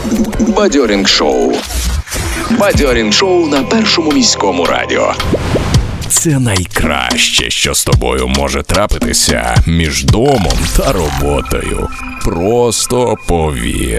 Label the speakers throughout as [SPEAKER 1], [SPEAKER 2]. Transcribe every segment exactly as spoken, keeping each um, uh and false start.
[SPEAKER 1] Бадьорінг шоу. Бадьорінг шоу на Першому міському радіо. Це найкраще, що з тобою може трапитися між домом та роботою. Просто повір.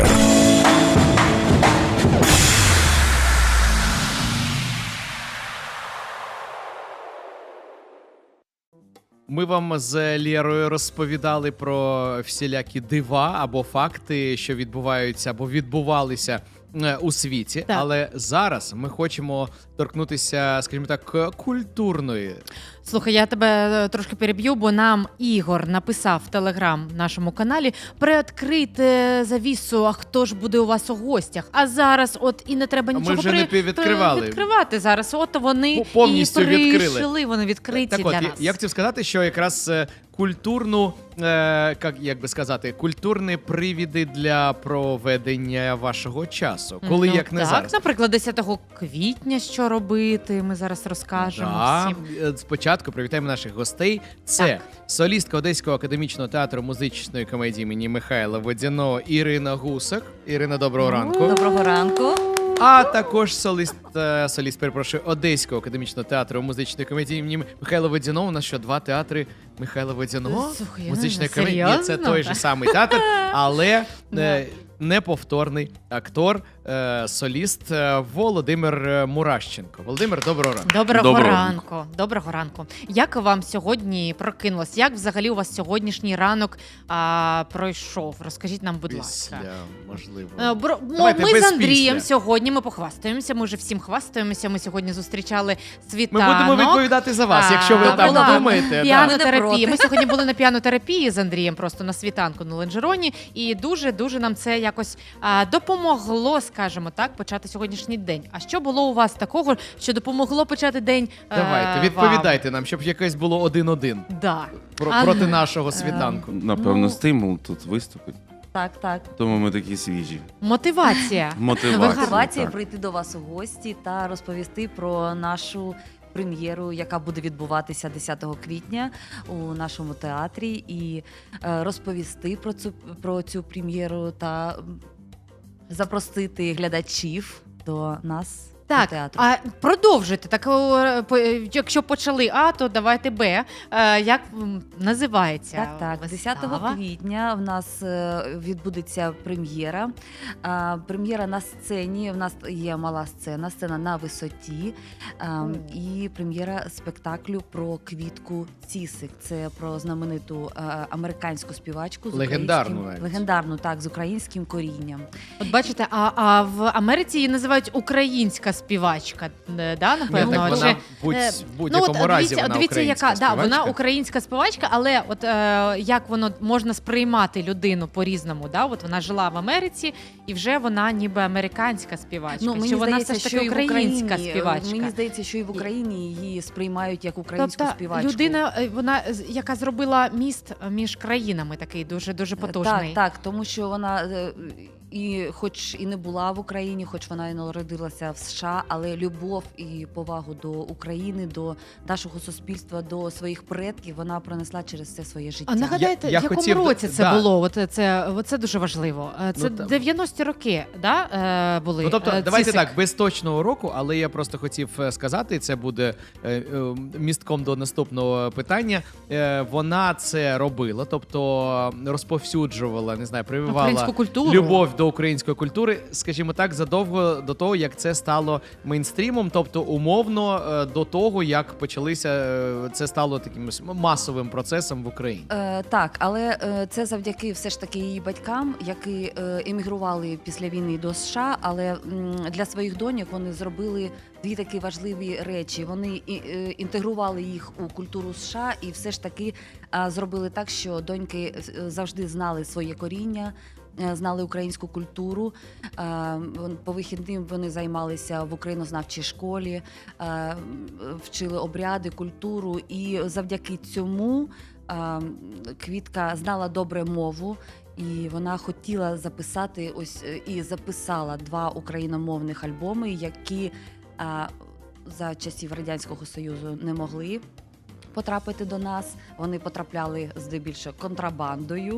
[SPEAKER 2] Ми вам з Лєрою розповідали про всілякі дива або факти, що відбуваються або відбувалися у світі. Так. Але зараз ми хочемо торкнутися, скажімо так, культурної.
[SPEAKER 3] Слухай, я тебе трошки переб'ю, бо нам Ігор написав в Телеграм нашому каналі приоткрити завісу, а хто ж буде у вас у гостях. А зараз от і не треба нічого
[SPEAKER 2] ми вже
[SPEAKER 3] при...
[SPEAKER 2] не відкривали.
[SPEAKER 3] відкривати зараз. От вони
[SPEAKER 2] повністю
[SPEAKER 3] і прийшли,
[SPEAKER 2] відкрили.
[SPEAKER 3] Вони відкриті
[SPEAKER 2] так,
[SPEAKER 3] для
[SPEAKER 2] от,
[SPEAKER 3] нас.
[SPEAKER 2] Я хотів сказати, що якраз культурну, е, як, як би сказати, культурні привіди для проведення вашого часу. Коли,
[SPEAKER 3] ну,
[SPEAKER 2] як не
[SPEAKER 3] так,
[SPEAKER 2] зараз.
[SPEAKER 3] Наприклад, десятого квітня що робити, ми зараз розкажемо
[SPEAKER 2] да.
[SPEAKER 3] всім.
[SPEAKER 2] Спочатку привітаємо наших гостей. Це
[SPEAKER 3] так.
[SPEAKER 2] солістка Одеського академічного театру музичної комедії імені Михайла Водяного Ірина Гусак. Ірина, доброго ранку.
[SPEAKER 4] Доброго ранку.
[SPEAKER 2] А також соліст, соліст, перепрошую, Одеського академічного театру музичної комедії імені Михайла Водяного. У нас що, два театри Михайла Водяного?
[SPEAKER 3] Слухай,
[SPEAKER 2] музичної
[SPEAKER 3] ну,
[SPEAKER 2] комедії. Ні, це той же самий театр, але е, неповторний актор, е, соліст е, Володимир Мурашченко. Володимир, доброго ранку.
[SPEAKER 3] Доброго,
[SPEAKER 5] Доброго
[SPEAKER 3] ранку. Доброго ранку. Як вам сьогодні прокинулось? Як взагалі у вас сьогоднішній ранок а, пройшов? Розкажіть нам, будь ласка.
[SPEAKER 2] Після, можливо.
[SPEAKER 3] Е, Бро,
[SPEAKER 2] Давайте
[SPEAKER 3] ми
[SPEAKER 2] без
[SPEAKER 3] з Андрієм
[SPEAKER 2] після.
[SPEAKER 3] сьогодні, ми похвастаємося, ми вже всім хвастаємося. Ми сьогодні зустрічали
[SPEAKER 2] Ми
[SPEAKER 3] світанок.
[SPEAKER 2] будемо відповідати за вас, якщо ви
[SPEAKER 3] А,
[SPEAKER 2] там
[SPEAKER 3] була
[SPEAKER 2] думаєте. Да.
[SPEAKER 3] Піанотерапія. Ми сьогодні були на піанотерапії з Андрієм просто на світанку на Ленджероні, і дуже-дуже нам це якось а, допомогло, скажімо так, почати сьогоднішній день. А що було у вас такого, що допомогло почати день?
[SPEAKER 2] Давайте,
[SPEAKER 3] е,
[SPEAKER 2] відповідайте нам, щоб якесь було один-один
[SPEAKER 3] Вам? Да.
[SPEAKER 2] про,
[SPEAKER 3] А,
[SPEAKER 2] проти нашого світанку.
[SPEAKER 5] Напевно,
[SPEAKER 4] Ну,
[SPEAKER 5] стимул тут виступить.
[SPEAKER 4] Так, так.
[SPEAKER 5] Тому ми такі свіжі.
[SPEAKER 3] Мотивація.
[SPEAKER 5] Мотивація.
[SPEAKER 4] Мотивація
[SPEAKER 5] так.
[SPEAKER 4] прийти до вас у гості та розповісти про нашу прем'єру, яка буде відбуватися десятого квітня у нашому театрі, і е, розповісти про цю, про цю прем'єру та м, запросити глядачів до нас.
[SPEAKER 3] Так,
[SPEAKER 4] театру.
[SPEAKER 3] а продовжуйте. Так, о, по- якщо почали А, то давайте Б. Е, Як м, називається
[SPEAKER 4] Так, так.
[SPEAKER 3] вистава?
[SPEAKER 4] десятого квітня в нас е, відбудеться прем'єра. А, Прем'єра на сцені. В нас є мала сцена, сцена на висоті. А, І прем'єра спектаклю про Квітку Цісик. Це про знамениту е, американську співачку з
[SPEAKER 2] Легендарну
[SPEAKER 4] українським-
[SPEAKER 2] навіть.
[SPEAKER 4] легендарну, так, з українським корінням.
[SPEAKER 3] От бачите, а, а в Америці її називають українська співачка, е, да,
[SPEAKER 2] Ні,
[SPEAKER 3] напевно?
[SPEAKER 2] так
[SPEAKER 3] Чи-
[SPEAKER 2] вона будь,
[SPEAKER 3] е,
[SPEAKER 2] в будь-якому
[SPEAKER 3] ну, от,
[SPEAKER 2] разі
[SPEAKER 3] дивіться,
[SPEAKER 2] вона
[SPEAKER 3] дивіться,
[SPEAKER 2] українська
[SPEAKER 3] яка, да, вона
[SPEAKER 2] співачка.
[SPEAKER 3] українська співачка, але от е, як воно можна сприймати людину по-різному, да? От вона жила в Америці, і вже вона ніби американська співачка.
[SPEAKER 4] Ну, мені
[SPEAKER 3] Чи вона
[SPEAKER 4] здається,
[SPEAKER 3] все ж таки
[SPEAKER 4] що і в
[SPEAKER 3] українська
[SPEAKER 4] Україні,
[SPEAKER 3] співачка?
[SPEAKER 4] Мені здається, що і в Україні її сприймають як українську
[SPEAKER 3] Тобто
[SPEAKER 4] співачку.
[SPEAKER 3] людина, е, вона, з- яка зробила міст між країнами, такий дуже дуже потужний.
[SPEAKER 4] Так, так, тому що вона е, і, хоч і не була в Україні, хоч вона і народилася в США, але любов і повагу до України, до нашого суспільства, до своїх предків вона пронесла через все своє життя.
[SPEAKER 3] А нагадайте,
[SPEAKER 2] Я- я
[SPEAKER 3] в якому
[SPEAKER 2] хотів-
[SPEAKER 3] році це
[SPEAKER 2] да.
[SPEAKER 3] було? От це, от це дуже важливо. Е, Це
[SPEAKER 2] Ну, там-
[SPEAKER 3] дев'яності роки, да, е, були?
[SPEAKER 2] Ну, тобто,
[SPEAKER 3] е,
[SPEAKER 2] давайте
[SPEAKER 3] Цісик?
[SPEAKER 2] так, без точного року, але я просто хотів е, сказати, і це буде е, е, містком до наступного питання. Е, вона це робила, тобто розповсюджувала, не знаю, прививала
[SPEAKER 3] Українську культуру.
[SPEAKER 2] любов до української культури, скажімо так, задовго до того, як це стало мейнстрімом, тобто умовно е, до того, як почалися, е, це стало таким ось масовим процесом в Україні.
[SPEAKER 4] Е, так, але е, це завдяки все ж таки її батькам, які е, емігрували після війни до США, але м, для своїх доньок вони зробили дві такі важливі речі. Вони і, е, інтегрували їх у культуру США і все ж таки е, зробили так, що доньки е, завжди знали своє коріння, е, знали українську культуру. Е, вон- По вихідним вони займалися в українознавчій школі, е, вчили обряди, культуру, і завдяки цьому е, Квітка знала добре мову. І вона хотіла записати ось е, і записала два україномовних альбоми, які а, за часів Радянського Союзу не могли потрапити до нас. Вони потрапляли здебільшого контрабандою.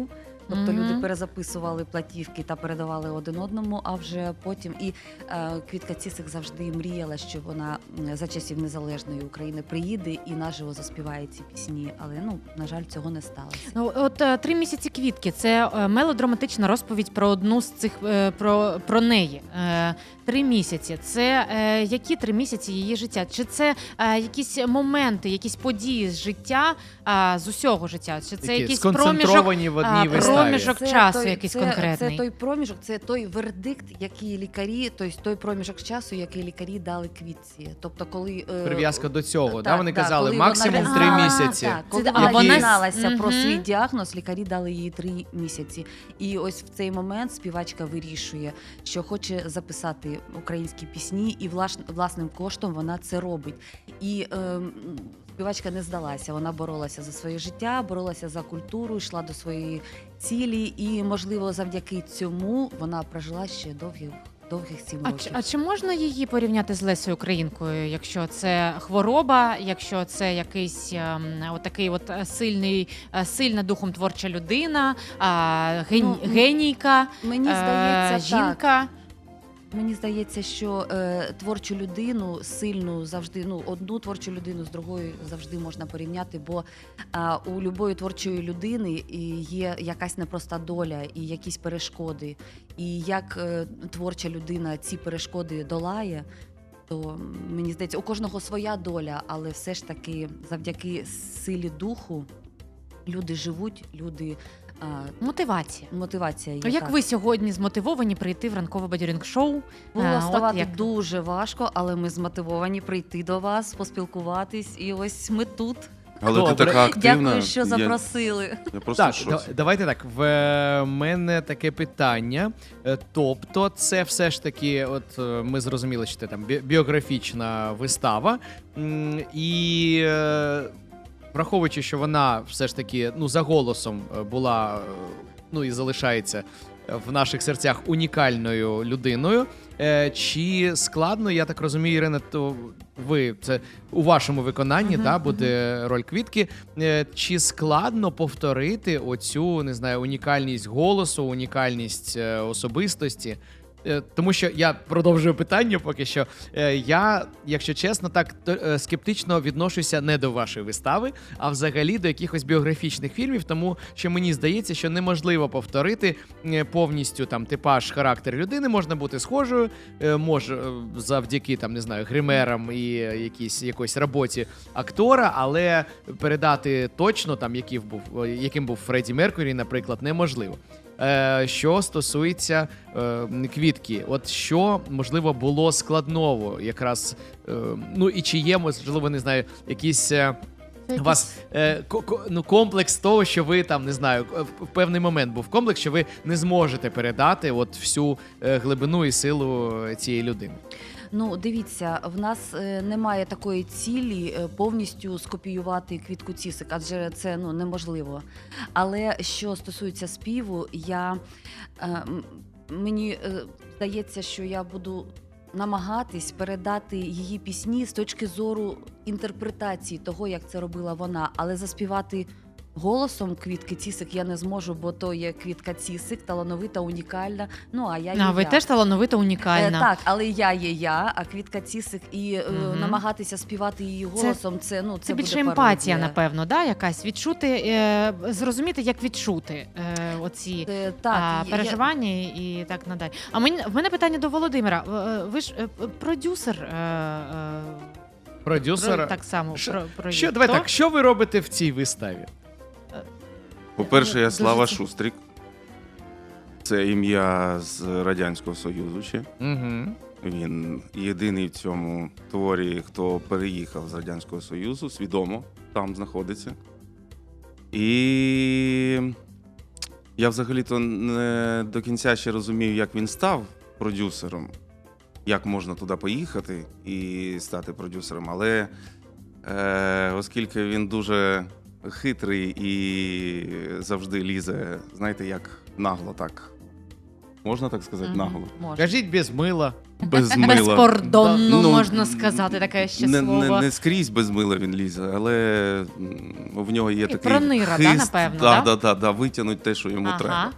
[SPEAKER 4] Тобто
[SPEAKER 3] Мгм.
[SPEAKER 4] люди перезаписували платівки та передавали один одному, а вже потім і е, Квітка Цісик завжди мріяла, що вона м, за часів незалежної України приїде і наживо заспіває ці пісні. Але ну на жаль, цього не сталося.
[SPEAKER 3] Ну, от е, три місяці квітки це е, мелодраматична розповідь про одну з цих е, про, про неї. Е, Три місяці. Це е, які три місяці її життя? Чи це е, якісь моменти, якісь події з життя, е, з усього життя? Чи це
[SPEAKER 2] Які
[SPEAKER 3] якийсь проміжок?
[SPEAKER 2] сконцентровані в одній
[SPEAKER 3] а,
[SPEAKER 2] виставі.
[SPEAKER 3] проміжок часу
[SPEAKER 4] той,
[SPEAKER 3] якийсь
[SPEAKER 4] це,
[SPEAKER 3] конкретний?
[SPEAKER 4] Це той проміжок, це той вердикт, який лікарі, тобто той проміжок часу, який лікарі дали Квітці. Тобто, коли е,
[SPEAKER 2] Прив'язка до цього,
[SPEAKER 4] так,
[SPEAKER 2] да? Вони
[SPEAKER 4] так,
[SPEAKER 2] казали
[SPEAKER 4] коли
[SPEAKER 2] максимум
[SPEAKER 4] вона-
[SPEAKER 2] три
[SPEAKER 3] А,
[SPEAKER 2] місяці.
[SPEAKER 4] Так, коли
[SPEAKER 3] Це-
[SPEAKER 4] вона
[SPEAKER 3] а вона-
[SPEAKER 4] дізналася про
[SPEAKER 3] Мгм.
[SPEAKER 4] свій діагноз, лікарі дали їй три місяці. І ось в цей момент співачка вирішує, що хоче записати українські пісні, і влаш- власним коштом вона це робить. І ем, співачка не здалася. Вона боролася за своє життя, боролася за культуру, йшла до своєї цілі. І, можливо, завдяки цьому вона прожила ще довгих, довгих сім
[SPEAKER 3] А,
[SPEAKER 4] років.
[SPEAKER 3] чи- а чи можна її порівняти з Лесею Українкою, якщо це хвороба, якщо це якийсь ем, отакий от е, сильний, е, сильна духом творча людина, а, ген,
[SPEAKER 4] Ну, м,
[SPEAKER 3] генійка,
[SPEAKER 4] Мені
[SPEAKER 3] е,
[SPEAKER 4] здається, так.
[SPEAKER 3] жінка?
[SPEAKER 4] Мені здається, що е, творчу людину сильну завжди, ну одну творчу людину з другою завжди можна порівняти, бо е, у любої творчої людини і є якась непроста доля і якісь перешкоди. І як е, творча людина ці перешкоди долає, то мені здається, у кожного своя доля, але все ж таки завдяки силі духу люди живуть, люди е,
[SPEAKER 3] Мотивація.
[SPEAKER 4] мотивація є.
[SPEAKER 3] А як
[SPEAKER 4] так.
[SPEAKER 3] ви сьогодні змотивовані прийти в ранкове бадьорінг-шоу?
[SPEAKER 4] Було
[SPEAKER 3] Е, от
[SPEAKER 4] ставати
[SPEAKER 3] як?
[SPEAKER 4] дуже важко, але ми змотивовані прийти до вас, поспілкуватись, і ось ми тут.
[SPEAKER 5] Але
[SPEAKER 2] Добре.
[SPEAKER 5] ти така активна.
[SPEAKER 4] Дякую, що
[SPEAKER 5] я,
[SPEAKER 4] запросили.
[SPEAKER 5] я просто
[SPEAKER 2] Так,
[SPEAKER 5] в
[SPEAKER 2] да-
[SPEAKER 5] шоці.
[SPEAKER 2] давайте так. В е, мене таке питання. Е, Тобто, це все ж таки, от е, ми зрозуміли, що це там бі- біографічна вистава. М, І е, враховуючи, що вона все ж таки ну, за голосом е, була, е, ну і залишається в наших серцях унікальною людиною. Е, Чи складно, я так розумію, Ірина, то ви це у вашому виконанні,
[SPEAKER 3] Мгм,
[SPEAKER 2] да, буде роль Квітки. Е, Чи складно повторити оцю, не знаю, унікальність голосу, унікальність е, особистості? Е, Тому що я продовжую питання поки що. Е, Я, якщо чесно, так то, е, скептично відношуся не до вашої вистави, а взагалі до якихось біографічних фільмів, тому що мені здається, що неможливо повторити е, повністю там типаж, характер людини. Можна бути схожою, е, може е, завдяки там не знаю гримерам і якійсь якоїсь роботі актора, але передати точно там, який був е, яким був Фредді Меркурі, наприклад, неможливо. Е, Що стосується е, Квітки, от що можливо було складного, якраз е, ну і чи є, можливо, не знаю, якісь. е, У вас е, ко- ко- ну, комплекс того, що ви там не знаю, в в певний момент був комплекс, що ви не зможете передати от всю е, глибину і силу цієї людини.
[SPEAKER 4] Ну, дивіться, в нас е, немає такої цілі е, повністю скопіювати Квітку Цісик, адже це ну неможливо. Але що стосується співу, я е, м- мені е, здається, що я буду намагатись передати її пісні з точки зору інтерпретації того, як це робила вона, але заспівати голосом Квітки Цісик я не зможу, бо то є Квітка Цісик, талановита, унікальна. Ну а я є
[SPEAKER 3] А ви
[SPEAKER 4] я.
[SPEAKER 3] теж талановита, унікальна.
[SPEAKER 4] Е, так, але я є я, а Квітка Цісик, і е,
[SPEAKER 3] Мгм.
[SPEAKER 4] намагатися співати її голосом, це, ну це,
[SPEAKER 3] Це
[SPEAKER 4] буде
[SPEAKER 3] більше емпатія,
[SPEAKER 4] пародія.
[SPEAKER 3] напевно, да? Якась відчути, е, зрозуміти, як відчути е, оці
[SPEAKER 4] Е, так,
[SPEAKER 3] а,
[SPEAKER 4] я-
[SPEAKER 3] переживання і так надалі. А мені в мене питання до Володимира. Е, Ви ж е, продюсер. Е, е,
[SPEAKER 2] Продюсер.
[SPEAKER 3] про- так само
[SPEAKER 2] Що-
[SPEAKER 3] про, про
[SPEAKER 2] Що, давай так, що ви робите в цій виставі?
[SPEAKER 5] По-перше, я
[SPEAKER 3] Дуже
[SPEAKER 5] Слава
[SPEAKER 3] це-
[SPEAKER 5] Шустрик. Це ім'я з Радянського Союзу ще.
[SPEAKER 2] Угу.
[SPEAKER 5] Він єдиний в цьому творі, хто переїхав з Радянського Союзу, свідомо там знаходиться. І я взагалі-то не до кінця ще розумів, як він став продюсером, як можна туди поїхати і стати продюсером. Але е, оскільки він дуже хитрий і завжди лізе, знаєте, як нагло так Можна так сказати,
[SPEAKER 3] Мгм.
[SPEAKER 5] наголо.
[SPEAKER 4] Можна.
[SPEAKER 2] Кажіть без мила.
[SPEAKER 5] Без мила.
[SPEAKER 3] Безкордонно,
[SPEAKER 5] Ну,
[SPEAKER 3] можна сказати, таке ще
[SPEAKER 5] не,
[SPEAKER 3] слово.
[SPEAKER 5] Не, не скрізь без мила він лізе, але м, в нього є
[SPEAKER 3] І
[SPEAKER 5] такий
[SPEAKER 3] пронира, да,
[SPEAKER 5] хист,
[SPEAKER 3] напевно,
[SPEAKER 5] да,
[SPEAKER 3] да?
[SPEAKER 5] да, да, да, витягнуть те, що йому
[SPEAKER 3] Ага.
[SPEAKER 5] треба.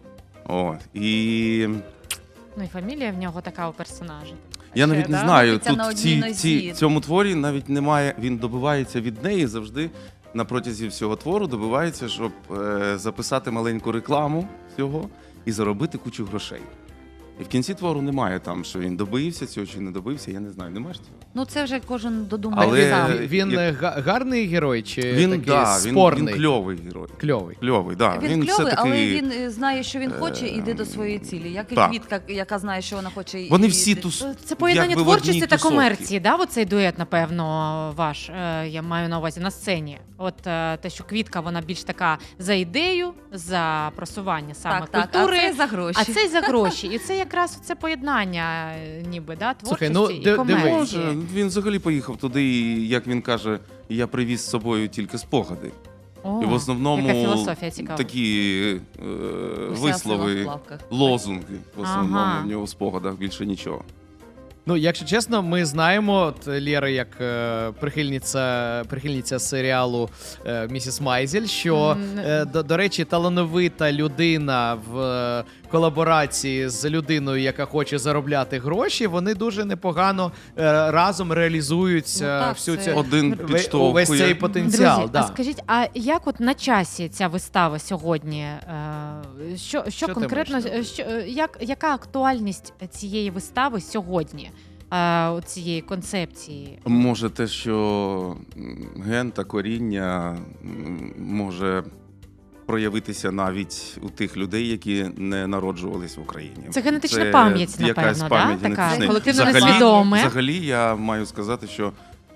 [SPEAKER 5] О, і
[SPEAKER 3] Ну і фамілія в нього така у персонажа.
[SPEAKER 5] я
[SPEAKER 3] Ще,
[SPEAKER 5] навіть не
[SPEAKER 3] да?
[SPEAKER 5] знаю,
[SPEAKER 4] Крутиться
[SPEAKER 5] тут
[SPEAKER 4] на
[SPEAKER 5] в
[SPEAKER 4] одній
[SPEAKER 5] цій,
[SPEAKER 4] нозі.
[SPEAKER 5] цій, цьому творі навіть немає, він добивається від неї завжди на протязі всього твору, добивається, щоб е, записати маленьку рекламу всього і заробити кучу грошей. І в кінці твору немає там, що він добився цього чи не добився, я не знаю, немає ж цього?
[SPEAKER 4] Ну це вже кожен додумає
[SPEAKER 5] Але-
[SPEAKER 4] сам.
[SPEAKER 2] Він, він
[SPEAKER 5] як-
[SPEAKER 2] е, га- гарний герой чи
[SPEAKER 5] Він,
[SPEAKER 2] такий
[SPEAKER 5] да, він,
[SPEAKER 2] спорний?
[SPEAKER 5] він кльовий герой.
[SPEAKER 2] Кльовий.
[SPEAKER 5] Кльовий, да.
[SPEAKER 4] Він,
[SPEAKER 5] все
[SPEAKER 4] кльовий,
[SPEAKER 5] такий,
[SPEAKER 4] але він е, знає, що він хоче, і йде
[SPEAKER 5] е,
[SPEAKER 4] до своєї цілі. Як і
[SPEAKER 5] так.
[SPEAKER 4] Квітка, яка знає, що вона хоче. і-
[SPEAKER 5] Вони
[SPEAKER 4] і
[SPEAKER 5] всі
[SPEAKER 4] йде.
[SPEAKER 5] тус...
[SPEAKER 3] Це поєднання
[SPEAKER 5] якби в одній
[SPEAKER 3] творчості та
[SPEAKER 5] тусовці.
[SPEAKER 3] комерції, да? Оцей дует, напевно, ваш, е, я маю на увазі, на сцені. От е, те, що Квітка, вона більш така за ідею, за просування саме
[SPEAKER 4] Так, так,
[SPEAKER 3] культури.
[SPEAKER 4] а це за гроші.
[SPEAKER 3] А це й за гроші. І це якраз це поєднання, е, ніби, да,
[SPEAKER 2] Слухай,
[SPEAKER 3] творчості
[SPEAKER 2] ну,
[SPEAKER 3] і
[SPEAKER 2] ди-
[SPEAKER 3] комерції.
[SPEAKER 5] Може, він взагалі поїхав туди, і, як він каже, я привіз з собою тільки спогади.
[SPEAKER 3] О,
[SPEAKER 5] і в основному
[SPEAKER 3] яка філософія цікава.
[SPEAKER 5] такі е,
[SPEAKER 4] Уся сила в
[SPEAKER 5] вислови,
[SPEAKER 4] плавках.
[SPEAKER 5] лозунги. В основному
[SPEAKER 3] Ага.
[SPEAKER 5] в нього в спогадах більше нічого.
[SPEAKER 2] Ну, якщо чесно, ми знаємо, от Лєра, як е, прихильниця, прихильниця серіалу е, Місіс Майзель, що,
[SPEAKER 3] М,
[SPEAKER 2] е, до, до речі, талановита людина в е, колаборації з людиною, яка хоче заробляти гроші, вони дуже непогано е, разом реалізують
[SPEAKER 4] Ну,
[SPEAKER 2] е,
[SPEAKER 4] так,
[SPEAKER 2] всю
[SPEAKER 4] це-
[SPEAKER 2] цю
[SPEAKER 5] Один
[SPEAKER 2] ве-
[SPEAKER 5] підштовхує.
[SPEAKER 2] увесь цей потенціал.
[SPEAKER 3] Друзі,
[SPEAKER 2] да.
[SPEAKER 3] а скажіть, а як от на часі ця вистава сьогодні? Е, Що, що,
[SPEAKER 2] Що ти
[SPEAKER 3] конкретно,
[SPEAKER 2] маєш на увазі?
[SPEAKER 3] що, е, як, яка актуальність цієї вистави сьогодні, е, от цієї концепції?
[SPEAKER 5] Може, те, що м, ген та коріння м, може проявитися навіть у тих людей, які не народжувались в Україні.
[SPEAKER 3] Це генетична пам'ять,
[SPEAKER 5] якась
[SPEAKER 3] напевно,
[SPEAKER 5] пам'ять
[SPEAKER 3] да? Така
[SPEAKER 5] генетична.
[SPEAKER 3] колективно
[SPEAKER 5] Взагалі-
[SPEAKER 3] несвідоме.
[SPEAKER 5] Взагалі, я маю сказати, що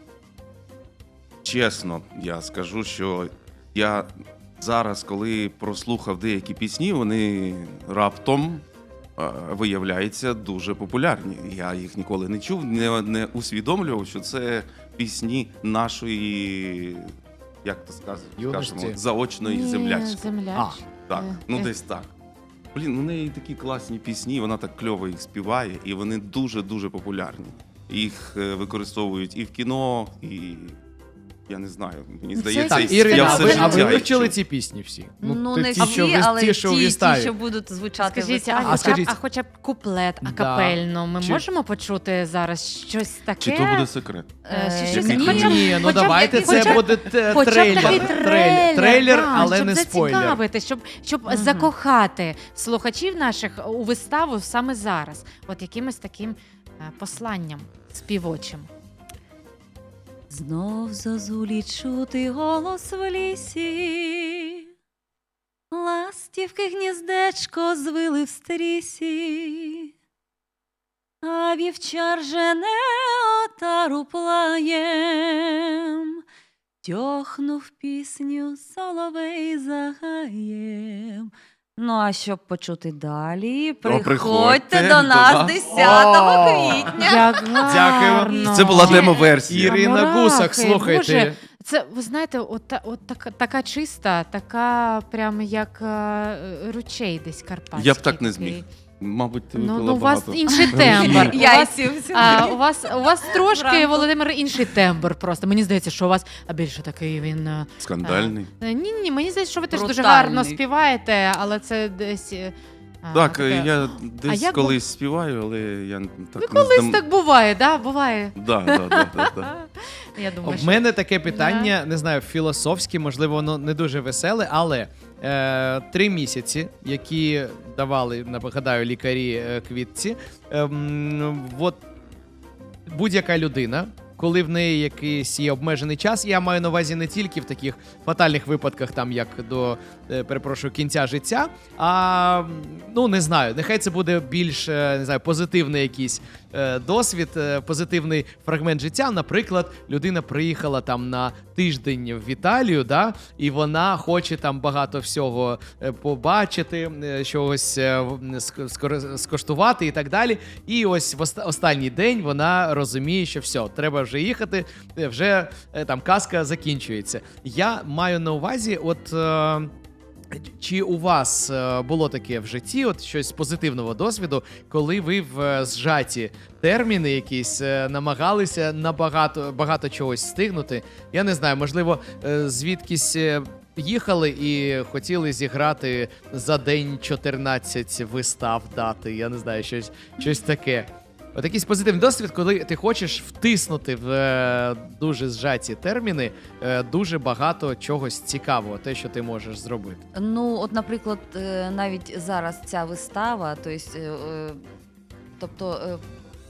[SPEAKER 5] чесно, я скажу, що я зараз, коли прослухав деякі пісні, вони раптом е, виявляються дуже популярні. Я їх ніколи не чув, не, не усвідомлював, що це пісні нашої, як то сказ-
[SPEAKER 2] Юності.
[SPEAKER 5] скажемо, заочної
[SPEAKER 3] Ні,
[SPEAKER 5] землячки.
[SPEAKER 3] землячки.
[SPEAKER 5] Так,
[SPEAKER 3] Е,
[SPEAKER 5] ну
[SPEAKER 3] е.
[SPEAKER 5] десь так. Блін, у неї такі класні пісні, вона так кльово їх співає, і вони дуже-дуже популярні. Їх е, використовують і в кіно, і я не знаю. Мені
[SPEAKER 3] Це
[SPEAKER 5] здається,
[SPEAKER 3] якісь-
[SPEAKER 5] я
[SPEAKER 2] Ірина, а
[SPEAKER 5] все
[SPEAKER 2] ви, а
[SPEAKER 5] життя
[SPEAKER 2] ви
[SPEAKER 5] їх
[SPEAKER 2] вивчили
[SPEAKER 5] чув.
[SPEAKER 2] ці пісні всі?
[SPEAKER 4] Ну,
[SPEAKER 2] ті-
[SPEAKER 4] не
[SPEAKER 2] ті,
[SPEAKER 4] всі,
[SPEAKER 2] що в-
[SPEAKER 4] але
[SPEAKER 2] ті, що в
[SPEAKER 4] ті, ті,
[SPEAKER 2] виставі.
[SPEAKER 4] що будуть звучати в
[SPEAKER 3] Скажіть, а,
[SPEAKER 4] виставі.
[SPEAKER 2] а
[SPEAKER 3] хоча, б,
[SPEAKER 2] скажіть-
[SPEAKER 3] а хоча б куплет
[SPEAKER 2] Да.
[SPEAKER 3] акапельно ми
[SPEAKER 2] Чи-
[SPEAKER 3] можемо почути зараз щось таке?
[SPEAKER 5] Чи то буде секрет?
[SPEAKER 3] Е,
[SPEAKER 4] Е,
[SPEAKER 3] щось-
[SPEAKER 5] Який
[SPEAKER 3] хоча б-
[SPEAKER 2] Ні, ну
[SPEAKER 3] хоча б
[SPEAKER 2] давайте
[SPEAKER 3] якийсь-
[SPEAKER 2] це
[SPEAKER 3] хоча б-
[SPEAKER 2] буде те-
[SPEAKER 3] Хоча б
[SPEAKER 2] трейлер.
[SPEAKER 3] такий
[SPEAKER 2] трейлер,
[SPEAKER 3] трейлер,
[SPEAKER 2] трейлер,
[SPEAKER 3] да,
[SPEAKER 2] але
[SPEAKER 3] щоб
[SPEAKER 2] не спойлер.
[SPEAKER 3] зацікавити, щоб, щоб
[SPEAKER 4] Мгм.
[SPEAKER 3] закохати слухачів наших у виставу саме зараз. От якимось таким е, посланням співочим.
[SPEAKER 4] Знов зозулі чути голос в лісі, ластівки гніздечко звили в стрісі, а вівчар жене отару плаєм, тьохнув пісню соловей за гаєм. Ну, а щоб почути далі, приходьте,
[SPEAKER 5] приходьте
[SPEAKER 4] до
[SPEAKER 5] до
[SPEAKER 4] нас
[SPEAKER 5] нас.
[SPEAKER 4] десятого
[SPEAKER 2] О!
[SPEAKER 4] квітня.
[SPEAKER 3] Як гарно.
[SPEAKER 5] Це була
[SPEAKER 3] Чи-
[SPEAKER 5] демо-версія.
[SPEAKER 2] Ірина
[SPEAKER 3] Мурахи,
[SPEAKER 2] Гусак, слухайте.
[SPEAKER 3] Боже, це, ви знаєте, от, та- от така, така чиста, така прям як е, ручей десь карпатський.
[SPEAKER 5] Я б так не
[SPEAKER 3] такий.
[SPEAKER 5] зміг. Мабуть, ти
[SPEAKER 3] Ну,
[SPEAKER 5] випила
[SPEAKER 3] ну, у вас
[SPEAKER 5] багато.
[SPEAKER 3] інший тембр. У вас,
[SPEAKER 4] Яйців.
[SPEAKER 3] а, у, вас, у вас трошки,
[SPEAKER 4] Вранку.
[SPEAKER 3] Володимир, інший тембр просто. Мені здається, що у вас а більше такий він. е,
[SPEAKER 5] Скандальний.
[SPEAKER 3] Ні, ні, мені здається, що ви теж дуже
[SPEAKER 4] Брутальний.
[SPEAKER 3] гарно співаєте, але це десь. е, а,
[SPEAKER 5] Так,
[SPEAKER 3] таке-
[SPEAKER 5] я десь
[SPEAKER 3] як
[SPEAKER 5] колись співаю, але я так
[SPEAKER 3] Ну,
[SPEAKER 5] не
[SPEAKER 3] колись
[SPEAKER 5] здам-
[SPEAKER 3] так буває, да? Буває.
[SPEAKER 5] Да, да, да, да, да.
[SPEAKER 3] Я думаю,
[SPEAKER 2] В
[SPEAKER 3] що...
[SPEAKER 2] мене таке питання, не знаю, філософське, можливо, воно не дуже веселе, але е, три місяці, які давали, нагадаю, лікарі е, Квітці, ем, от будь-яка людина, коли в неї якийсь є обмежений час, я маю на увазі не тільки в таких фатальних випадках, там як до, е, перепрошую, кінця життя, а ну не знаю, нехай це буде більш е, не знаю, позитивний якийсь е, досвід, е, позитивний фрагмент життя. Наприклад, людина приїхала там на тиждень в Італію, да, і вона хоче там багато всього е, побачити, е, чогось е, в- ск- скор- скоштувати і так далі. І ось в оста- останній день вона розуміє, що все, треба вже їхати, е, вже е, там казка закінчується. Я маю на увазі, от. Е, Чи у вас е, було таке в житті, от щось позитивного досвіду, коли ви в е, зжаті терміни якісь е, намагалися на багато, багато чогось встигнути? Я не знаю, можливо, е, звідкись е, їхали і хотіли зіграти за день чотирнадцять вистав дати. Я не знаю, щось, щось таке. От якийсь позитивний досвід, коли ти хочеш втиснути в е, дуже зжаті терміни е, дуже багато чогось цікавого, те, що ти можеш зробити.
[SPEAKER 4] Ну, от, наприклад, е, навіть зараз ця вистава, то есть, е, е, тобто е,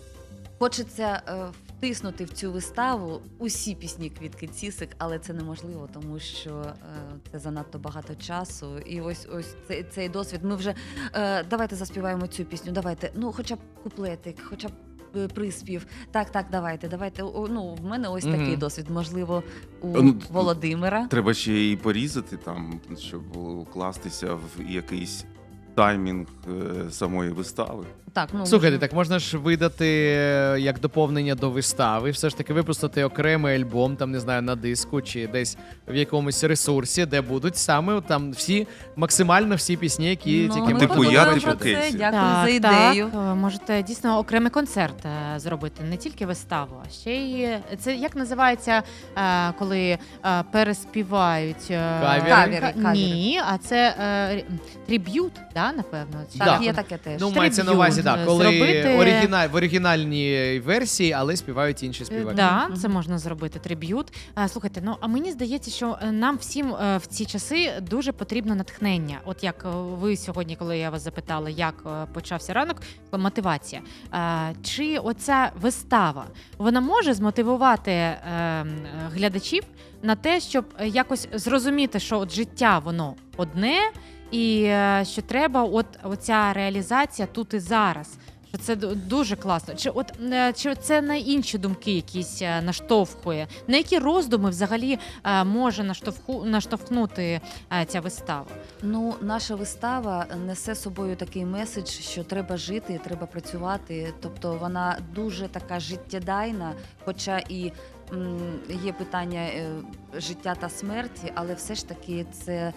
[SPEAKER 4] хочеться е, втиснути в цю виставу усі пісні Квітки Цісик, але це неможливо, тому що е, це занадто багато часу. І ось ось цей, цей досвід. Ми вже е, давайте заспіваємо цю пісню, давайте, ну хоча б куплетик, хоча б е, приспів. Так, так, давайте, давайте. О, ну, в мене ось
[SPEAKER 2] Мгм.
[SPEAKER 4] такий досвід, можливо, у
[SPEAKER 5] Ну,
[SPEAKER 4] Володимира.
[SPEAKER 5] Треба ще і порізати там, щоб укластися в якийсь таймінг е, самої вистави.
[SPEAKER 4] Так, ну,
[SPEAKER 2] Слухайте,
[SPEAKER 4] можливо.
[SPEAKER 2] так можна ж видати е, як доповнення до вистави, все ж таки випустити окремий альбом, там не знаю, на диску чи десь в якомусь ресурсі, де будуть саме там всі, максимально всі пісні, які
[SPEAKER 4] Ну,
[SPEAKER 2] тільки
[SPEAKER 4] ми
[SPEAKER 5] Типу,
[SPEAKER 2] можна
[SPEAKER 5] я,
[SPEAKER 4] подумаємо
[SPEAKER 5] типу,
[SPEAKER 4] про це.
[SPEAKER 5] Кейсі.
[SPEAKER 4] Дякую
[SPEAKER 3] Так,
[SPEAKER 4] за ідею.
[SPEAKER 3] Так, е, можете дійсно окремий концерт е, зробити, не тільки виставу, а ще й е, це як називається, е, коли е, переспівають е,
[SPEAKER 2] Кавери?
[SPEAKER 4] Кавери,
[SPEAKER 3] ка-
[SPEAKER 4] кавери.
[SPEAKER 3] Ні, а це е, рі- триб'ют, да, напевно. Чи
[SPEAKER 2] Да.
[SPEAKER 4] Так,
[SPEAKER 3] як
[SPEAKER 4] є
[SPEAKER 3] воно?
[SPEAKER 4] таке теж.
[SPEAKER 2] Ну, мається на увазі,
[SPEAKER 3] триб'ют,
[SPEAKER 2] так,
[SPEAKER 3] е,
[SPEAKER 2] коли
[SPEAKER 3] зробити-
[SPEAKER 2] оригіналь, в оригінальній версії, але співають інші співаки.
[SPEAKER 3] Да,
[SPEAKER 4] Мгм.
[SPEAKER 3] це можна зробити триб'ют. Е, Слухайте, ну а мені здається, що е, нам всім е, в ці часи дуже потрібно натхнення. От як е, ви сьогодні, коли я вас запитала, як е, почався ранок, мотивація. Е, Чи оця вистава вона може змотивувати е, м, глядачів на те, щоб е, якось зрозуміти, що от життя воно одне, і е, що треба, от оця реалізація тут і зараз. Що це ду- дуже класно. Чи от е, чи це на інші думки якісь е, наштовхує? На які роздуми взагалі е, може наштовху наштовхнути е, ця вистава?
[SPEAKER 4] Ну, наша вистава несе собою такий меседж, що треба жити, треба працювати. Тобто вона дуже така життєдайна, хоча і м, є питання е, життя та смерті, але все ж таки це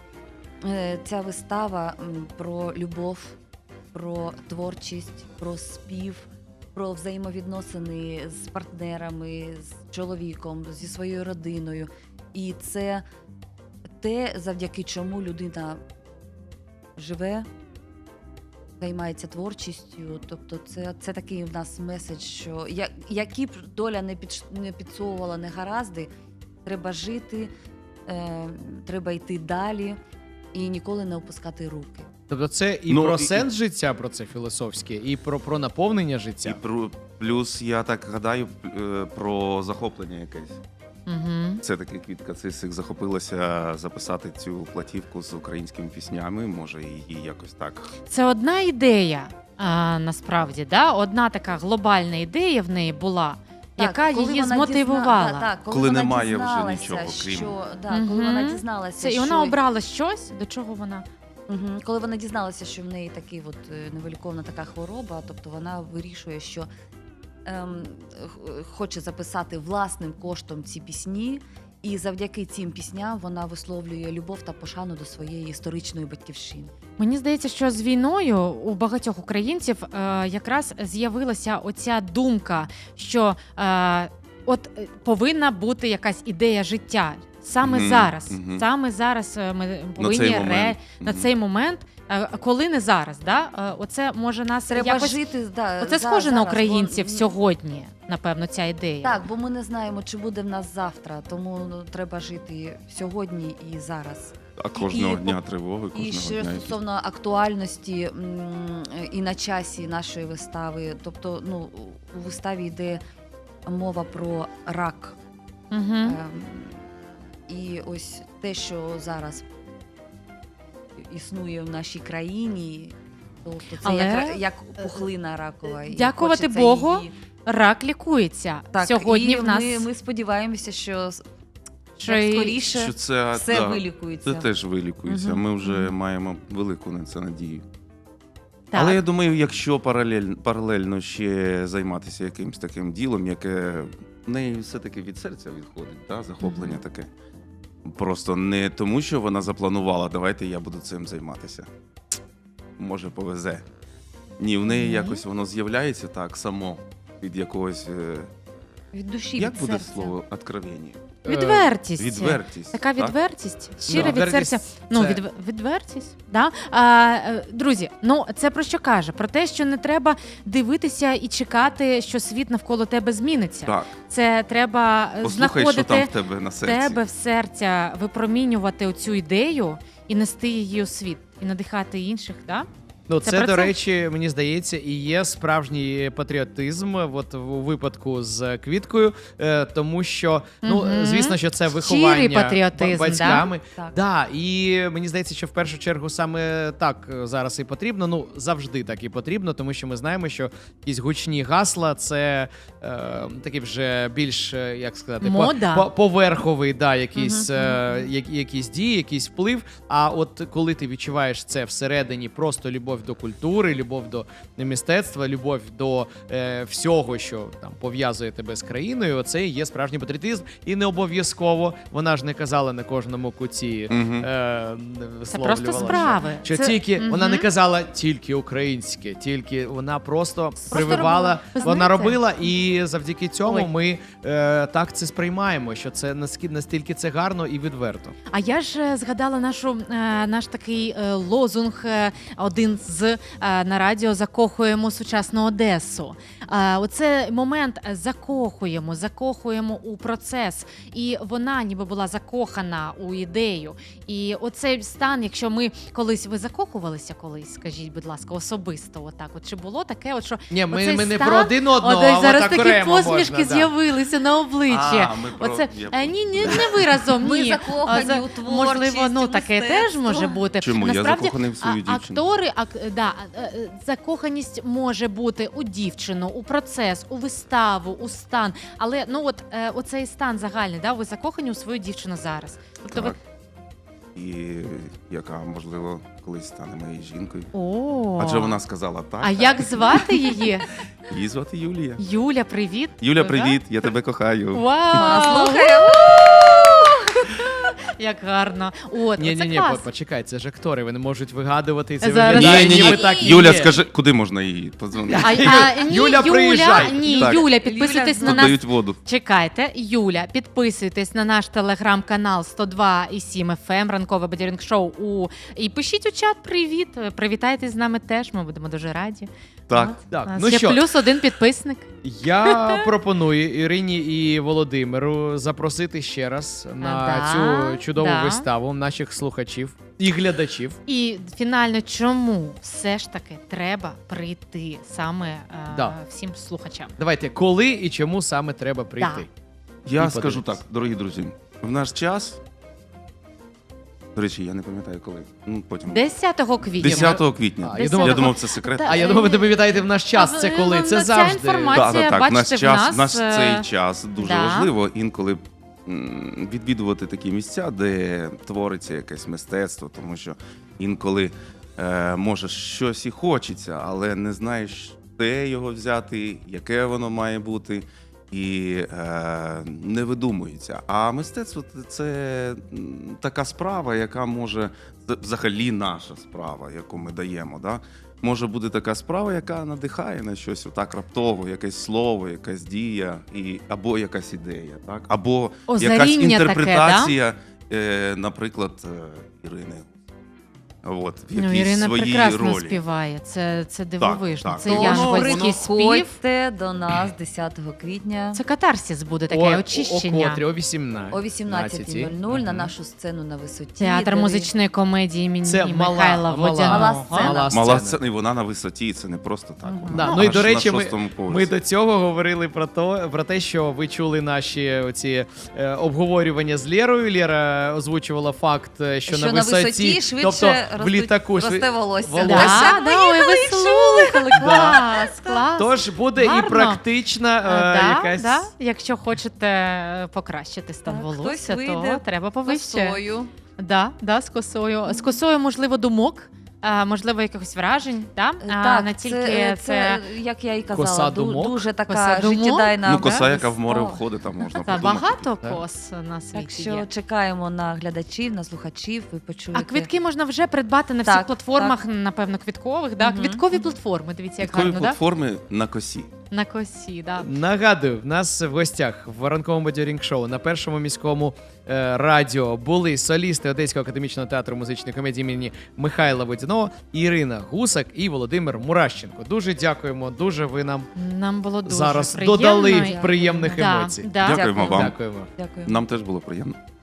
[SPEAKER 4] е, ця вистава м, про любов, про творчість, про спів, про взаємовідносини з партнерами, з чоловіком, зі своєю родиною. І це те, завдяки чому людина живе, займається творчістю. Тобто це, це такий в нас меседж, що я, які б доля не, під, не підсовувала негаразди, треба жити, е, треба йти далі і ніколи не опускати руки.
[SPEAKER 2] Тобто це і
[SPEAKER 5] Ну,
[SPEAKER 2] про
[SPEAKER 5] і-
[SPEAKER 2] сенс життя, про це філософське, і про, про наповнення життя.
[SPEAKER 5] І про- плюс, я так гадаю, е, про захоплення якесь.
[SPEAKER 3] Угу.
[SPEAKER 5] Це таки Квітка Цисик захопилася записати цю платівку з українськими піснями. Може, її якось так.
[SPEAKER 3] Це одна ідея, а, насправді, да? Одна така глобальна ідея в неї була, яка
[SPEAKER 4] коли
[SPEAKER 3] її
[SPEAKER 4] вона
[SPEAKER 3] змотивувала.
[SPEAKER 4] дізна- так, так, коли,
[SPEAKER 5] Коли
[SPEAKER 4] вона
[SPEAKER 5] немає вже
[SPEAKER 4] дізналася,
[SPEAKER 5] нічого, крім-
[SPEAKER 4] що, да, коли
[SPEAKER 3] Мгм.
[SPEAKER 4] вона дізналася,
[SPEAKER 3] Це, і
[SPEAKER 4] що...
[SPEAKER 3] вона обрала щось, до чого вона.
[SPEAKER 4] Мгм. Коли вона дізналася, що в неї такий от е, невиліковна така хвороба, тобто вона вирішує, що ем, х- хоче записати власним коштом ці пісні, і завдяки цим пісням вона висловлює любов та пошану до своєї історичної батьківщини.
[SPEAKER 3] Мені здається, що з війною у багатьох українців е, якраз з'явилася оця думка, що е, от е, повинна бути якась ідея життя. Саме
[SPEAKER 5] Мгм,
[SPEAKER 3] зараз,
[SPEAKER 5] мгм.
[SPEAKER 3] саме зараз е, ми
[SPEAKER 5] На
[SPEAKER 3] повинні
[SPEAKER 5] цей
[SPEAKER 3] ре...
[SPEAKER 5] момент.
[SPEAKER 3] на
[SPEAKER 5] Мгм.
[SPEAKER 3] цей момент, е, коли не зараз, да? Е, оце може нас
[SPEAKER 4] Треба
[SPEAKER 3] якось...
[SPEAKER 4] жити, да,
[SPEAKER 3] Оце
[SPEAKER 4] за-
[SPEAKER 3] схоже на
[SPEAKER 4] зараз,
[SPEAKER 3] українців
[SPEAKER 4] бо, м,
[SPEAKER 3] сьогодні, напевно, ця ідея.
[SPEAKER 4] Так, бо ми не знаємо, чи буде в нас завтра, тому ну, треба жити сьогодні і зараз.
[SPEAKER 5] А кожного
[SPEAKER 4] і-
[SPEAKER 5] дня тривоги,
[SPEAKER 4] І
[SPEAKER 5] кожного
[SPEAKER 4] ще
[SPEAKER 5] дня.
[SPEAKER 4] стосовно актуальності м, і на часі нашої вистави, тобто ну, у виставі йде мова про рак.
[SPEAKER 3] Угу.
[SPEAKER 4] Ем, І ось те, що зараз існує в нашій країні, тобто це
[SPEAKER 3] Але,
[SPEAKER 4] як, як пухлина ракова. і
[SPEAKER 3] дякувати
[SPEAKER 4] хочеться
[SPEAKER 3] Богу,
[SPEAKER 4] її-
[SPEAKER 3] Рак лікується.
[SPEAKER 4] Так,
[SPEAKER 3] Сьогодні
[SPEAKER 4] і
[SPEAKER 3] в нас
[SPEAKER 4] ми, ми сподіваємося, що,
[SPEAKER 3] що
[SPEAKER 4] як
[SPEAKER 3] і-
[SPEAKER 4] скоріше
[SPEAKER 5] Що це,
[SPEAKER 4] все
[SPEAKER 5] да,
[SPEAKER 4] вилікується.
[SPEAKER 5] це теж вилікується.
[SPEAKER 3] Мгм,
[SPEAKER 5] Ми вже
[SPEAKER 3] мгм.
[SPEAKER 5] маємо велику на це надію.
[SPEAKER 3] Так.
[SPEAKER 5] Але я думаю, якщо паралель, паралельно ще займатися якимось таким ділом, яке в неї все-таки від серця відходить, да, захоплення
[SPEAKER 3] Мгм.
[SPEAKER 5] таке, Просто не тому, що вона запланувала, давайте я буду цим займатися. Може, повезе. Ні, в неї
[SPEAKER 3] Ні.
[SPEAKER 5] якось воно з'являється так само від якогось. е,
[SPEAKER 4] Від душі,
[SPEAKER 5] Як
[SPEAKER 4] від
[SPEAKER 5] буде
[SPEAKER 4] серця.
[SPEAKER 5] слово «откровення»?
[SPEAKER 3] Відвертість.
[SPEAKER 5] Відвертість.
[SPEAKER 3] Така
[SPEAKER 5] так?
[SPEAKER 3] відвертість, щира
[SPEAKER 2] Ну,
[SPEAKER 3] від
[SPEAKER 2] відвертість
[SPEAKER 3] серця. Ну,
[SPEAKER 2] це-
[SPEAKER 3] від, відвертість. Да? А, е, друзі, ну це про що каже? Про те, що не треба дивитися і чекати, що світ навколо тебе зміниться.
[SPEAKER 5] Так.
[SPEAKER 3] Це треба е,
[SPEAKER 5] Послухай, що там
[SPEAKER 3] знаходити
[SPEAKER 5] в тебе на
[SPEAKER 3] в
[SPEAKER 5] серці.
[SPEAKER 3] тебе в серця, випромінювати оцю ідею і нести її у світ, і надихати інших. Да?
[SPEAKER 2] Ну,
[SPEAKER 3] Це
[SPEAKER 2] це,
[SPEAKER 3] про
[SPEAKER 2] до
[SPEAKER 3] це?
[SPEAKER 2] речі, мені здається, і є справжній патріотизм, от у випадку з Квіткою, е, тому що, ну,
[SPEAKER 3] Мгм.
[SPEAKER 2] звісно, що це
[SPEAKER 3] Щирий
[SPEAKER 2] виховання
[SPEAKER 3] патріотизм,
[SPEAKER 2] ба- батьками.
[SPEAKER 4] Так.
[SPEAKER 2] Да, і мені здається, що в першу чергу саме так зараз і потрібно. Ну, завжди так і потрібно, тому що ми знаємо, що якісь гучні гасла це е, такі вже більш, е, як сказати, по-
[SPEAKER 3] Мода.
[SPEAKER 2] по- поверховий, да, якийсь,
[SPEAKER 3] Мгм,
[SPEAKER 2] е, я- якісь дії, якийсь вплив. А от коли ти відчуваєш це всередині, просто любов до культури, любов до мистецтва, любов до е, всього, що там пов'язує тебе з країною, оце і є справжній патріотизм. І не обов'язково, вона ж не казала на кожному куті.
[SPEAKER 5] Мгм.
[SPEAKER 2] Е,
[SPEAKER 3] Це просто
[SPEAKER 2] висловлювала,
[SPEAKER 3] справи.
[SPEAKER 2] Що, що
[SPEAKER 3] Це-
[SPEAKER 2] тільки
[SPEAKER 3] Мгм.
[SPEAKER 2] вона не казала тільки українське, тільки вона просто, прививала,
[SPEAKER 3] робила. Ви
[SPEAKER 2] вона
[SPEAKER 3] знаєте?
[SPEAKER 2] робила, і завдяки цьому
[SPEAKER 3] Ой.
[SPEAKER 2] ми е, так це сприймаємо, що це наскільки настільки це гарно і відверто.
[SPEAKER 3] А я ж е, згадала нашу е, наш такий е, лозунг, е, один з е, на радіо закохуємо сучасну Одесу. Е, оце момент е, закохуємо, закохуємо у процес. І вона ніби була закохана у ідею. І оцей стан, якщо ми колись ви закохувалися колись, скажіть, будь ласка, особисто, отак. От чи було таке, от що
[SPEAKER 2] Ні, ми,
[SPEAKER 3] оцей
[SPEAKER 2] ми не
[SPEAKER 3] стан,
[SPEAKER 2] про один одного,
[SPEAKER 3] От
[SPEAKER 2] а
[SPEAKER 3] зараз
[SPEAKER 2] отак
[SPEAKER 3] такі
[SPEAKER 2] окремо
[SPEAKER 3] посмішки
[SPEAKER 2] можна, да.
[SPEAKER 3] з'явилися на обличчі.
[SPEAKER 5] А, ми про-
[SPEAKER 3] Оце
[SPEAKER 5] я
[SPEAKER 3] е, ні, ні, не ви разом,
[SPEAKER 4] Ми
[SPEAKER 3] ні.
[SPEAKER 4] закохані
[SPEAKER 3] А, за-
[SPEAKER 4] у творчість,
[SPEAKER 3] можливо, ну
[SPEAKER 4] у
[SPEAKER 3] таке
[SPEAKER 4] мистецтво.
[SPEAKER 3] теж може бути.
[SPEAKER 5] Чому? Я
[SPEAKER 3] Насправді,
[SPEAKER 5] закоханий в свою
[SPEAKER 3] а-
[SPEAKER 5] дівчину.
[SPEAKER 3] Актори, ак, да, е, е, закоханість може бути у дівчину, у процес, у виставу, у стан. Але ну от е, оцей стан загальний, да, ви закохані у свою дівчину зараз. Тобто ви
[SPEAKER 5] Так. І яка, можливо, колись стане моєю жінкою.
[SPEAKER 3] о,
[SPEAKER 5] Адже вона сказала так.
[SPEAKER 3] А як звати її?
[SPEAKER 5] Її звати Юлія.
[SPEAKER 3] Юля, привіт.
[SPEAKER 5] Юля,
[SPEAKER 3] Да?
[SPEAKER 5] привіт, я тебе кохаю.
[SPEAKER 3] Вау!
[SPEAKER 4] Слухаю.
[SPEAKER 3] Як гарно. От,
[SPEAKER 2] Ні,
[SPEAKER 3] оце
[SPEAKER 2] ні, ні,
[SPEAKER 3] клас.
[SPEAKER 2] почекай, це ж актори, вони можуть вигадувати і це
[SPEAKER 3] Зараз-
[SPEAKER 2] виглядає,
[SPEAKER 5] Ні, ні,
[SPEAKER 2] ніби
[SPEAKER 5] ні.
[SPEAKER 2] так і
[SPEAKER 5] Юля,
[SPEAKER 2] є.
[SPEAKER 5] скажи, куди можна її подзвонити?
[SPEAKER 3] А, а, ні,
[SPEAKER 2] Юля, приїжджай.
[SPEAKER 3] Ні,
[SPEAKER 5] Так.
[SPEAKER 3] Юля, підписуйтесь
[SPEAKER 4] Юля,
[SPEAKER 3] на
[SPEAKER 5] Тут
[SPEAKER 3] нас.
[SPEAKER 5] дають воду.
[SPEAKER 3] Чекайте, Юля, підписуйтесь на наш телеграм-канал сто два і сім еф ем, ранкове бадьорінг шоу. У... І пишіть у чат привіт. Привітайтесь з нами теж, ми будемо дуже раді.
[SPEAKER 5] Так.
[SPEAKER 3] От.
[SPEAKER 2] Так,
[SPEAKER 3] У нас
[SPEAKER 2] ну
[SPEAKER 3] ще
[SPEAKER 2] що?
[SPEAKER 3] плюс один підписник.
[SPEAKER 2] Я пропоную Ірині і Володимиру запросити ще раз на
[SPEAKER 3] да,
[SPEAKER 2] цю чудову
[SPEAKER 3] да.
[SPEAKER 2] виставу наших слухачів і глядачів.
[SPEAKER 3] І фінально, чому все ж таки треба прийти саме е,
[SPEAKER 2] Да.
[SPEAKER 3] всім слухачам?
[SPEAKER 2] Давайте, коли і чому саме треба прийти?
[SPEAKER 5] Я
[SPEAKER 2] І
[SPEAKER 5] скажу
[SPEAKER 2] подивитись.
[SPEAKER 5] так, дорогі друзі, в наш час. До речі, я не пам'ятаю коли. Ну, потім.
[SPEAKER 3] десятого квітня.
[SPEAKER 5] десятого квітня.
[SPEAKER 2] А, я думав-
[SPEAKER 5] я думав, це секрет.
[SPEAKER 3] Та-
[SPEAKER 2] А я думаю, ви не пам'ятаєте в наш час. Це коли?
[SPEAKER 3] Ну,
[SPEAKER 2] Це
[SPEAKER 3] ця
[SPEAKER 2] завжди.
[SPEAKER 3] інформація-
[SPEAKER 5] Так, так, так.
[SPEAKER 3] бачите,
[SPEAKER 5] Наш
[SPEAKER 3] в
[SPEAKER 5] час,
[SPEAKER 3] нас,
[SPEAKER 5] наш
[SPEAKER 3] е,
[SPEAKER 5] цей час дуже
[SPEAKER 3] да.
[SPEAKER 5] важливо інколи м, відвідувати такі місця, де твориться якесь мистецтво, тому що інколи е, може щось і хочеться, але не знаєш, де його взяти, яке воно має бути. І е, не видумується. А мистецтво це м, така справа, яка може взагалі наша справа, яку ми даємо. Да? Може бути така справа, яка надихає на щось отак раптово, якесь слово, якась дія, і, або якась ідея, так? Або
[SPEAKER 3] Озаріння
[SPEAKER 5] якась
[SPEAKER 3] таке,
[SPEAKER 5] інтерпретація, е, наприклад, е, Ірини. От, в
[SPEAKER 3] Ну,
[SPEAKER 5] якійсь
[SPEAKER 3] Ірина
[SPEAKER 5] своїй
[SPEAKER 3] прекрасно
[SPEAKER 5] ролі.
[SPEAKER 3] співає. Це, це дивовижно.
[SPEAKER 5] так.
[SPEAKER 3] Це
[SPEAKER 5] Тому
[SPEAKER 3] янголський спів.
[SPEAKER 4] Приходьте до нас десятого квітня
[SPEAKER 3] Це катарсис буде таке
[SPEAKER 2] О,
[SPEAKER 3] очищення.
[SPEAKER 2] о котрі, о вісімнадцятій.
[SPEAKER 4] о вісімнадцятій нуль нуль на
[SPEAKER 2] Мгм.
[SPEAKER 4] нашу сцену на висоті.
[SPEAKER 3] Театр
[SPEAKER 4] де ви-
[SPEAKER 3] музичної комедії імені
[SPEAKER 2] Це мала,
[SPEAKER 3] Михайла
[SPEAKER 2] мала,
[SPEAKER 3] Водяного.
[SPEAKER 4] Мала сцена.
[SPEAKER 2] мала
[SPEAKER 5] Мала
[SPEAKER 2] сцена.
[SPEAKER 5] сцена, і вона на висоті, це не просто так.
[SPEAKER 3] Мгм.
[SPEAKER 5] Вона
[SPEAKER 2] Да,
[SPEAKER 5] аж
[SPEAKER 2] ну і до
[SPEAKER 5] на
[SPEAKER 2] речі, ми,
[SPEAKER 5] шостому поверсі.
[SPEAKER 2] ми до цього говорили про то, про те, що ви чули наші оці е, обговорювання з Лєрою. Лєра озвучувала факт, е, що,
[SPEAKER 4] Що
[SPEAKER 2] на
[SPEAKER 4] на
[SPEAKER 2] висоті,
[SPEAKER 4] висоті швидше
[SPEAKER 2] тобто в
[SPEAKER 4] ростуть-
[SPEAKER 2] літаку шви-
[SPEAKER 4] росте волосся.
[SPEAKER 2] волосся.
[SPEAKER 3] Да, да, ой, ви слухали, клас, клас.
[SPEAKER 2] Тож буде
[SPEAKER 3] Гарно.
[SPEAKER 2] і практична
[SPEAKER 3] Е,
[SPEAKER 2] е,
[SPEAKER 3] да,
[SPEAKER 2] якась.
[SPEAKER 3] да. Якщо хочете е, покращити стан
[SPEAKER 4] Так,
[SPEAKER 3] волосся,
[SPEAKER 4] хтось
[SPEAKER 3] то
[SPEAKER 4] вийде
[SPEAKER 3] треба повище.
[SPEAKER 4] Косою.
[SPEAKER 3] Да, да, з косою. З косою, можливо, думок. а, можливо, якихось вражень, да? а
[SPEAKER 4] Так,
[SPEAKER 3] не тільки
[SPEAKER 4] це,
[SPEAKER 3] це,
[SPEAKER 4] це, як я і
[SPEAKER 2] Коса
[SPEAKER 4] казала, ду-
[SPEAKER 2] думок?
[SPEAKER 4] дуже така
[SPEAKER 3] Коса думок?
[SPEAKER 4] життєдайна.
[SPEAKER 5] Ну, коса,
[SPEAKER 3] да,
[SPEAKER 5] яка в море
[SPEAKER 4] О.
[SPEAKER 5] входить, там можна
[SPEAKER 3] Та
[SPEAKER 5] подумати.
[SPEAKER 3] багато
[SPEAKER 2] так.
[SPEAKER 3] кос на світі
[SPEAKER 4] Так що
[SPEAKER 3] є.
[SPEAKER 4] чекаємо на глядачів, на слухачів, ви почуєте.
[SPEAKER 3] А квитки можна вже придбати на всіх
[SPEAKER 4] Так,
[SPEAKER 3] платформах, напевно, квіткових. Да?
[SPEAKER 4] Мгм,
[SPEAKER 3] Квіткові
[SPEAKER 4] мгм.
[SPEAKER 3] платформи, дивіться, як
[SPEAKER 5] Квіткові
[SPEAKER 3] гарно, да?
[SPEAKER 5] платформи на косі.
[SPEAKER 3] На косі, да.
[SPEAKER 2] Нагадую, в нас в гостях в ранковому бадьорінг шоу на першому міському е, радіо були солісти Одеського академічного театру музичної комедії імені Михайла Водяного, Ірина Гусак і Володимир Мурашченко. Дуже дякуємо, дуже ви нам
[SPEAKER 3] Нам було дуже
[SPEAKER 2] зараз
[SPEAKER 3] приємно.
[SPEAKER 2] додали
[SPEAKER 3] І-
[SPEAKER 2] приємних
[SPEAKER 3] Да,
[SPEAKER 2] емоцій.
[SPEAKER 3] да.
[SPEAKER 5] Дякуємо вам.
[SPEAKER 2] Дякуємо.
[SPEAKER 4] Дякую.
[SPEAKER 5] Нам теж було приємно.